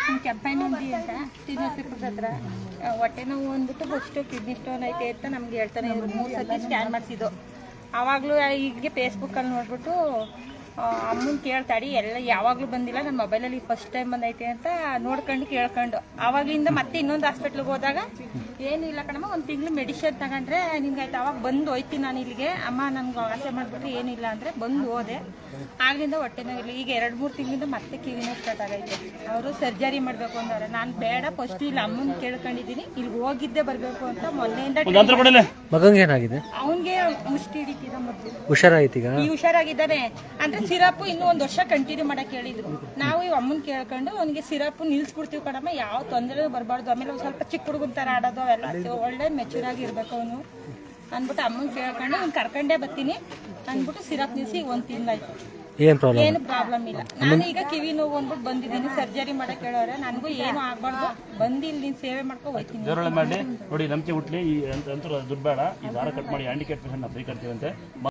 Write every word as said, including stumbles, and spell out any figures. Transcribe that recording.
ಕೆಂಪೈನಿಂದಿ ಅಂತ ಶ್ರೀನಿವಾಸಪುರದ ಹತ್ರ ಹೊಟ್ಟೆ ನೋವು ಅಂದ್ಬಿಟ್ಟು ಫಸ್ಟು ಕಿಡ್ನಿ ಸ್ಟೋನ್ ಐತೆ ಅಂತ ನಮ್ಗೆ ಹೇಳ್ತಾನೆ ಇದ್ರು. ಮೂರು ಸತಿ ಸ್ಕ್ಯಾನ್ ಮಾಡಿಸಿದ್ದು. ಆವಾಗಲೂ ಹೀಗೆ ಫೇಸ್ಬುಕ್ಕಲ್ಲಿ ನೋಡ್ಬಿಟ್ಟು ಅಮ್ಮನ ಕೇಳ್ತಾಡಿ ಎಲ್ಲ ಯಾವಾಗಲೂ ಬಂದಿಲ್ಲ, ನನ್ನ ಮೊಬೈಲಲ್ಲಿ ಫಸ್ಟ್ ಟೈಮ್ ಬಂದೈತೆ ಅಂತ ನೋಡ್ಕೊಂಡು ಕೇಳ್ಕೊಂಡು ಆವಾಗಲಿಂದ ಮತ್ತೆ ಇನ್ನೊಂದು ಹಾಸ್ಪಿಟ್ಲಿಗೆ ಹೋದಾಗ ಏನಿಲ್ಲ ಕಣಮ್ಮ, ಒಂದು ತಿಂಗಳು ಮೆಡಿಷನ್ ತಗೊಂಡ್ರೆ ನಿಮ್ಗೆ ಆಯ್ತು. ಅವಾಗ ಬಂದು ಹೋಯ್ತೀನಿ ನಾನು ಇಲ್ಲಿಗೆ, ಅಮ್ಮ ನನ್ಗೆ ಆಸೆ ಮಾಡಿಬಿಟ್ರೆ ಏನಿಲ್ಲ ಅಂದರೆ ಬಂದು ಹೋದೆ. ಆಗ್ಲಿಂದ ಹೊಟ್ಟೆ ನೋವಿಲ್ಲ. ಈಗ ಎರಡು ಮೂರು ತಿಂಗಳಿಂದ ಮತ್ತೆ ಕಿವಿ ನೋವು ಸ್ಟಾರ್ಟ್ ಆಗೈತೆ. ಅವರು ಸರ್ಜರಿ ಮಾಡಬೇಕು ಅಂದವ್ರೆ. ನಾನು ಬೇಡ, ಫಸ್ಟ್ ಇಲ್ಲಿ ಅಮ್ಮನ ಕೇಳ್ಕೊಂಡಿದ್ದೀನಿ, ಇಲ್ಲಿ ಹೋಗಿದ್ದೆ ಬರಬೇಕು ಅಂತ ಮೊನ್ನೆಯಿಂದ. ಮಗಂಗೆ ಏನಾಗಿದೆ? ಅವನಿಗೆ ಮುಷ್ಟಿ ಹಿಡಿತಿದ ಮೊದಲು, ಹುಷಾರಾಯ್ತೀಗ? ಈ ಹುಷಾರಾಗಿದ್ದಾನೆ ಅಂದ್ರೆ ಸಿರಪ್ ಇನ್ನೂ ಒಂದು ವರ್ಷ ಕಂಟಿನ್ಯೂ ಮಾಡಕ್ ಹೇಳಿದ್ರು. ನಾವು ಈ ಅಮ್ಮನ್ ಕೇಳ್ಕೊಂಡು ಅವನಿಗೆ ಸಿರಪ್ ನಿಲ್ಸ್ಬಿಡ್ತೀವಿ ಕಣಮ್ಮ, ಯಾವ ತೊಂದರೆ ಬರಬಾರ್ದು, ಆಮೇಲೆ ಒಂದು ಸ್ವಲ್ಪ ಚಿಕ್ಕ ಹುಡುಗನ ಥರ ಆಡೋದು ಅವೆಲ್ಲ ಒಳ್ಳೆ ಮೆಚೂರ್ ಆಗಿ ಇರ್ಬೇಕು ಅವನು ಅಂದ್ಬಿಟ್ಟು ಅಮ್ಮನ್ ಕೇಳ್ಕೊಂಡು ಅವ್ನು ಕರ್ಕೊಂಡೇ ಬರ್ತೀನಿ ಅಂದ್ಬಿಟ್ಟು ಸಿರಪ್ ನಿಲ್ಸಿ ಒಂದು ತಿಂಗಳಾಯ್ತು. ಏನು ಪ್ರಾಬ್ಲಮ್? ಏನು ಪ್ರಾಬ್ಲಮ್ ಇಲ್ಲ. ನಾನು ಈಗ ಕಿವಿ ನೋವು ಅಂದ್ಬಿಟ್ಟು ಬಂದಿದ್ದೀನಿ, ಸರ್ಜರಿ ಮಾಡಕ್ ಹೇಳೋರೆ. ನನಗೂ ಏನು ಆಗ್ಬಾರ್ದು, ಬಂದು ಇಲ್ಲಿ ನೀನು ಸೇವೆ ಮಾಡ್ಕೊ ಹೋಗ್ತೀನಿ. ಮಾಡಿ ನೋಡಿ, ನಂಬಿಕೆ ಹುಟ್ಲಿ. ಈ ಅಂತ ದುಡ್ಡು ಬೇಡ, ಈ ದಾರ ಕಟ್ ಮಾಡಿ ಹ್ಯಾಂಡಿಕ್ಯಾಪ್ ಪೇಷಂಟ್ ಫ್ರೀ ಕಟ್ತೀವಂತೆ.